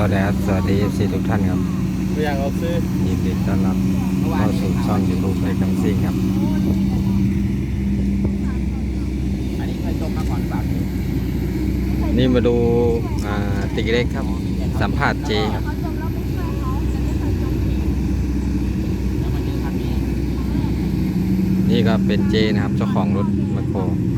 สวัสดีซีทุกท่านครับอยากเอาซื้อยินดีต้อนรับเข้าสู่ช่อง YouTube ไอ้คำซิ่งครับอันนี้เคยจมมาก่อนแบบนี่มาดูติ๊กเล็กครับสัมภาษณ์เจครับนี่ก็เป็นเจนะครับเจ้าของรถแมคโคร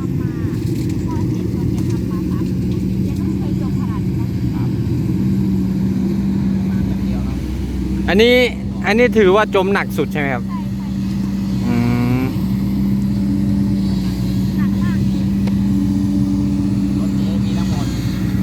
อันนี้ถือว่าจมหนักสุดใช่ไหมครับอืมรถนี้มีทั้งหมด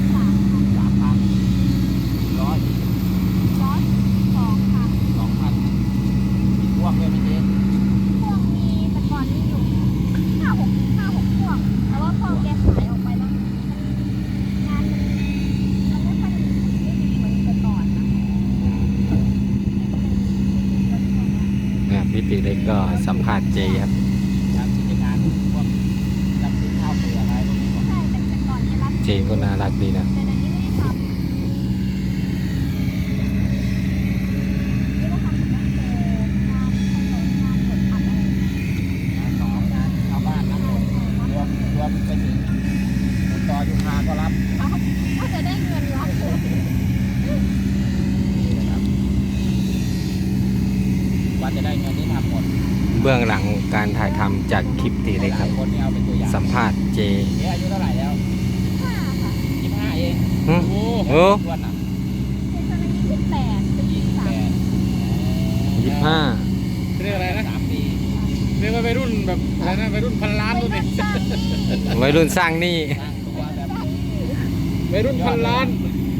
3,100 2,000มีพวกด้วยไหมเจ๊พวกมีแต่ก่อนมีอยู่5-6พวกแต่ว่าพอแกขายออกไปแล้วงานมันไม่ค่อยดีเหมือนแต่ก่อนนะพี่ติ๊กเล็กก็สัมภาษณ์เจครับทำกิจการพวกรับซื้อข้าวเปลือกอะไรพวกนี้ใช่แต่ก่อนเนี่ยรับเจก็น่ารักดีนะแต่เดี๋ยวนี้ไม่ได้ทำไม่ได้ทำเหมือนกันงานถนนงานกดอัดอะไรงานสองงานชาวบ้านนะรวมไปถึงต่อยุคาก็รับก็จะได้เงินรับเลยนี่นะครับว่าจะได้เงินที่ทำหมดเบื้องหลังการถ่ายทำจากคลิปติ๊กเล็กหคลารัยบคนนี่เอาเป็นตัวอย่างสัมภาษณ์เจเจ๊อายุเท่าไหร่แล้ว 5 ค่ะ 25เองหึโอ้โอ้ทวนอ่ะเป็นตอนนี้28เป็น23 25 เรียกอะไรนะ3 ปีเรียกว่าวัยรุ่นแบบอะไรนะวัยรุ่นพันล้านตัวนี้วัยรุ่นสร้างหนี้สร้างตัวแบบวัยรุ่นพันล้าน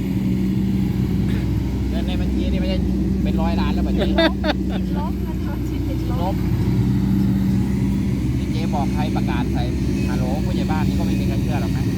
เงินในบัญชีนี่ไม่ใช่เป็น100 ล้านแล้วบัญชีติดลบนะเขาชิดติดลลบบที่เจ๊บอกใครประกาศใส่ฮัลโหลผู้ใหญ่บ้านนี่ก็ไม่มีใครเชื่อหรอกนะ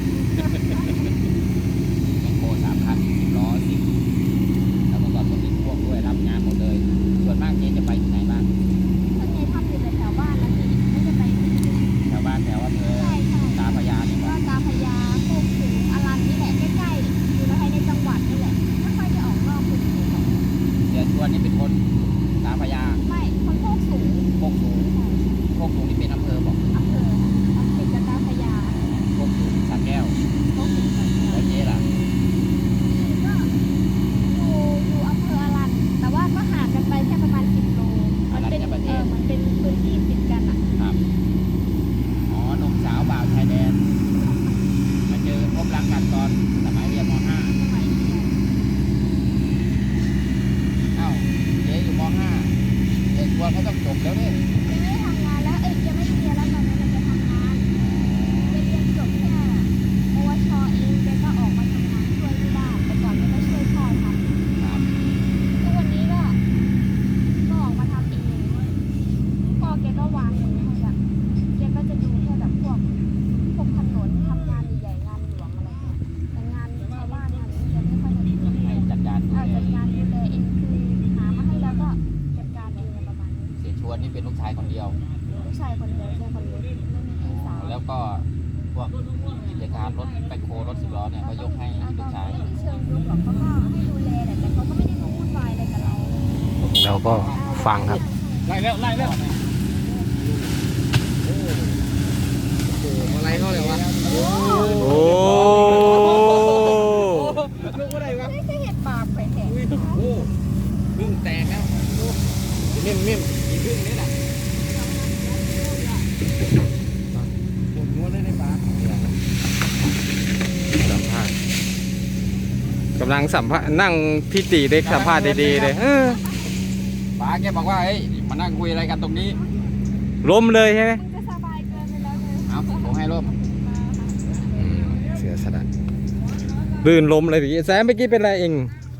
แมคโคร3,000 10 ล้อ 10แล้วก็ก่อนคนติดพ่วงด้วยรับงานหมดเลยส่วนมากเจ๊จะไปที่ไหนบ้างส่วนใหญ่ทำอยู่แต่แถวบ้านนะพี่ไม่ได้ไปที่อื่นแถวบ้านแถวอำเภอใช่ใช่ตาพระยานี่ก็ป่ะตาพญาโคกสูงอรัญนี่แหละใกล้ๆอยู่ในจังหวัดนี่แหละไม่ค่อยได้ออกนอกพื้นที่หรอกเสียชวนนี่เป็นคนตาพระยาไม่คนโคกสูงโคกสูงใช่โคกสูงนี่เป็นอำเภอบอกอำเภอติดกับตาพญาโคกสูงสระแก้วโคกสูงกันเนี่ยแล้วเจ๊ล่ะก็อยู่อำเภออรัญแต่ว่าก็ห่างกันไปแค่ประมาณ10 โลมันเป็นมันเป็นพื้นที่ติดกันอ่ะครับอ๋อหนุ่มสาวบ่าวชายแดนมาเจอพบรักกันตอนสมัยเรียนม .5 สมัยเรียนเอ้าเจ๊อยู่ม .5 เด็กวัวเขาต้องจบแล้วเนี่ยยังไม่ได้ทำงานแล้วยังไม่ได้เรียนแล้วตอนนี้เราจะทำงานเรียนจบแค่ปวชเองแกก็ออกมาทำงานช่วยที่บ้านแต่ก่อนแกก็ช่วยพ่อทำครับทุกวันนี้ก็ออกมาทำเองพ่อแกก็วางมือให้ละแกก็จะดูแค่แบบพวกถนนทำงานใหญ่ๆงานหลวงอะไรเงี้ยแต่งานชาวบ้านงานนี้แกไม่ค่อยจะดูให้จัดการดูจัดแลการดูแลเองคือหามาให้แล้วก็จัดการเองประมาณนี้เสียชวนนี่เป็นลูกชายคนเดียวลูกชายคนเดียวใช่คนเล็กไม่มีพี่สาวแล้วก็พวกกิจการรถแบคโครถ10 ล้อเนี่ยเขายกให้แล้วลูก็กชายไม่ได้เชิงลุกหรอกเขาก็ให้ดูแลแต่เขาก็ไม่ได้มาวุ่นวายอะไรกับเราเราก็ฟังครับไล่แล้วโอ้โหอะไรเขาเลยวะโอ้ลูกอะไรวะไม่เคยเห็นปากไปแท้โอ้พึ่งแตกแล้วเม่นอีพึ่งนี่แหละปวดหัวเลยในปากสัมภาษณ์กำลังสัมภาษณ์นั่งพี่ตีเล็กสัมภาษณ์ดีๆเลยป้าแกบอกว่าเฮ้ยมานั่งคุยอะไรกันตรงนี้ล้มเลยใช่ไหมมันจะสบายเกินไปแล้วเลยเอาผมให้ร่มเสียสละลื่นล้มเลยพี่แซมเมื่อกี้เป็นอะไรเอง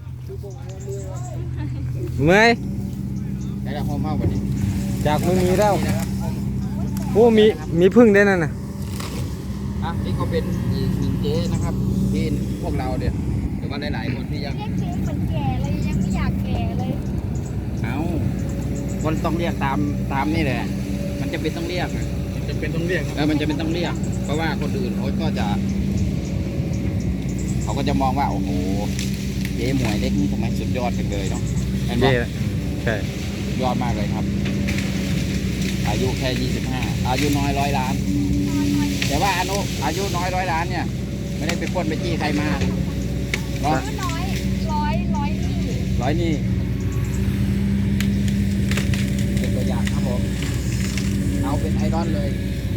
เมื่อยได้แล้วห้องเมาวันนี้จากมือมีแล้วนี่นะครับโอ้มีพึ่งได้วยนั่นน่ะนี่ก็เป็นอีกหนึ่งเจ๊นะครับที่พวกเราเนี่ยหรือว่าหลายๆคนที่ยังเรียกเจ๊เหมือนแก่เลยยังไม่อยากแก่เลยเอาคนต้องเรียกตามนี่แหละมันจะเป็นต้องเรียกนะมันจะเป็นต้องเรียกมันจะเป็นต้องเรียก เพราะว่าคนอื่นเขาก็จะมองว่าโอ้โหเจ๊หมวยเล็กนี่ผมว่าสุดยอดกันเลยเนาะเห็นไหมเจ๊ใช่ยอดมากเลยครับ อายุแค่25อายุน้อย100 ล้าน แต่ว่าอายุน้อย100 ล้านเนี่ยไม่ได้ไปปล้นไปจี้ใครมาเนาะร้อยนี่ร้อยนี่เป็นตัวอย่างครับผมเอาเป็นไอดอลเลย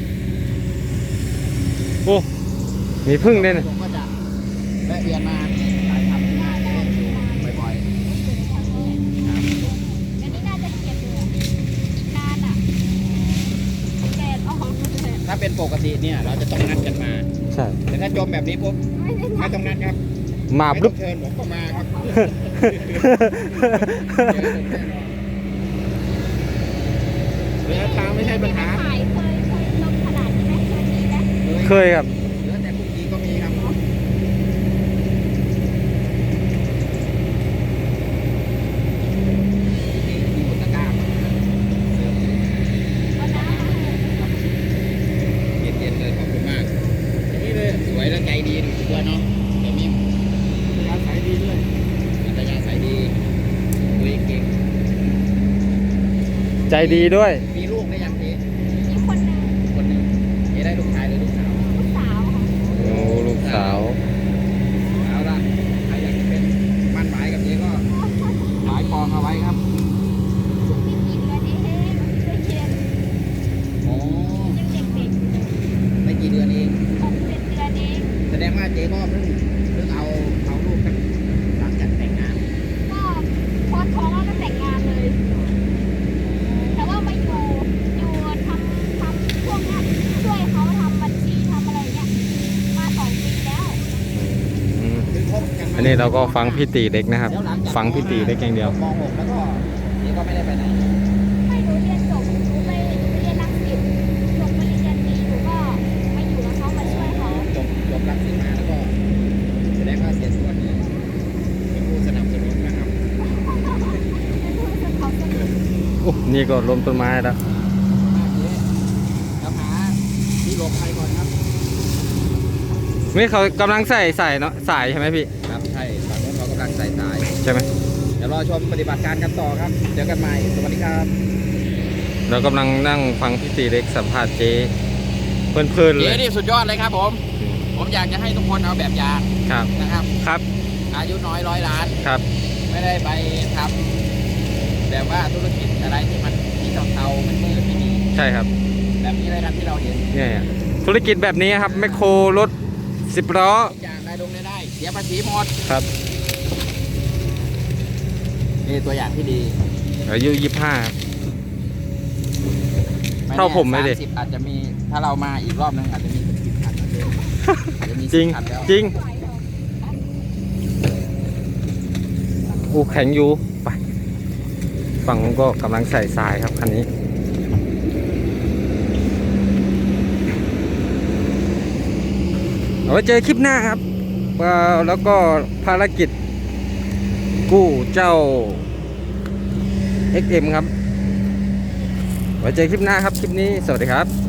โอ้มีพึ่งด้วยนะผมก็จะแวะเวียนมาถ่ายทำงานบ่อยอันนี้น่าจะเก็บอยู่นานอ่ะแดดออกเลยๆถ้าเป็นปกติเนี่ยเราจะต้องนัดกันมาใช่แต่ถ้าจมแบบนี้ปุ๊บไม่ได้ไม่ต้องนัดครับมาไม่บึ๊ต้อบ งเชิญผมก็มาครับระยะทางไม่ใช่ปัญหาถ่ายเคยลงขนาดนี้ไหมเคยมีไหมเคยครับเหลือแต่พรุ่งนี้ก็มีครับที่อุตกาเสริมเอาน้ำมาให้เย็นๆเลยขอบคุณมากนี่เลยสวยและใจดีด้วยเนาะเดี๋ยวมีอัธยาศัยดีด้วยอัธยาศัยดีคุยเก่งใจดีด้วยมีลูกได้ยังเจ๊มีคนหนึ่งคนหนึ่งเจ๊ได้ลูกชายหรือลูกสาวลูกสาวค่ะโอ้ลูกสาวเอาละใครอยากจะเป็นมั่นหมายกับเจ๊ก็หมายปองเอาไว้ครับเพิ่งมีกี่เดือนเองเคยเรียนโอ้ยังเด็กๆอยู่เลยไม่กี่เดือนเอง 6-7 เดือนเองแสดงว่าเจ๊ก็เพิ่งเอาลูกกันหลังจากแต่งงานก็พอท้องแล้วก็แต่งงานเลย แต่ว่ามาอยู่ทำพวกเนี้ยช่วยเขาทำบัญชีทำอะไรเงี้ยมา2 ปีแล้วอืมคือคบกันมาอันนี้เราก็ฟังพี่ตีเล็กนะครับแล้วหลัจากฟังพี่ตีเล็กอย่างเดียวม .6 แล้วก็เจ๊ก็ไม่ได้ไปไหนไม่หนูเรียนจบหนูไปเรียนรังสิตจบปริญญาตรีหนูก็มาอยู่กับเขามาช่วยเขาจบรังสิตมาแล้วก็แสดงว่าเสียส่วนเนี่ยเป็นผู้สนับสนุนนะครับเขาสนุกโอ้นี่ก็ล้มต้นไม้แล้วมากเจ๊แล้วหาที่หลบภัยก่อนครับนี่เขากำลังใส่เนาะสายใช่ไหมพี่ครับใช่ฝั่งนู้นเขากำลังใส่สายใช่ไหมเดี๋ยวรอชมปฏิบัติการกันต่อครับเจอกันใหม่สวัสดีครับเรากำลังนั่งฟังพี่ตีเล็กสัมภาษณ์เจ๊เพลินๆเลเจ๊ยนี่สุดยอดเลยครับผม ผมอยากจะให้ทุกคนเอาแบบอย่างครับนะครับครับอายุน้อย100 ล้านครับไม่ได้ไปทำแบบว่าธุรกิจอะไรที่มันที่เทาๆมันมืดไม่ดีใช่ครับแบบนี้เลยครับที่เราเห็นเนี่ยธุรกิจแบบนี้ครับแมคโครรถ10 ล้อทุกอย่างได้ลงได้เสียภาษีหมดครับนี่ตัวอย่างที่ดีอายุ25 แน่เท่าผมไหมดิ 30อาจจะมีถ้าเรามาอีกรอบนึงอาจจะมี10 คันนะเจ๊อาจจะมีจริง 10 คันแล้วจริงอู้แข็งอยู่ไปฝั่งนู้นก็กำลังใส่ทรายครับคันนี้ เอาไว้เจอคลิปหน้าครับแล้วก็ภารกิจกู้เจ้า XM ครับ ไว้เจอคลิปหน้าครับ คลิปนี้สวัสดีครับ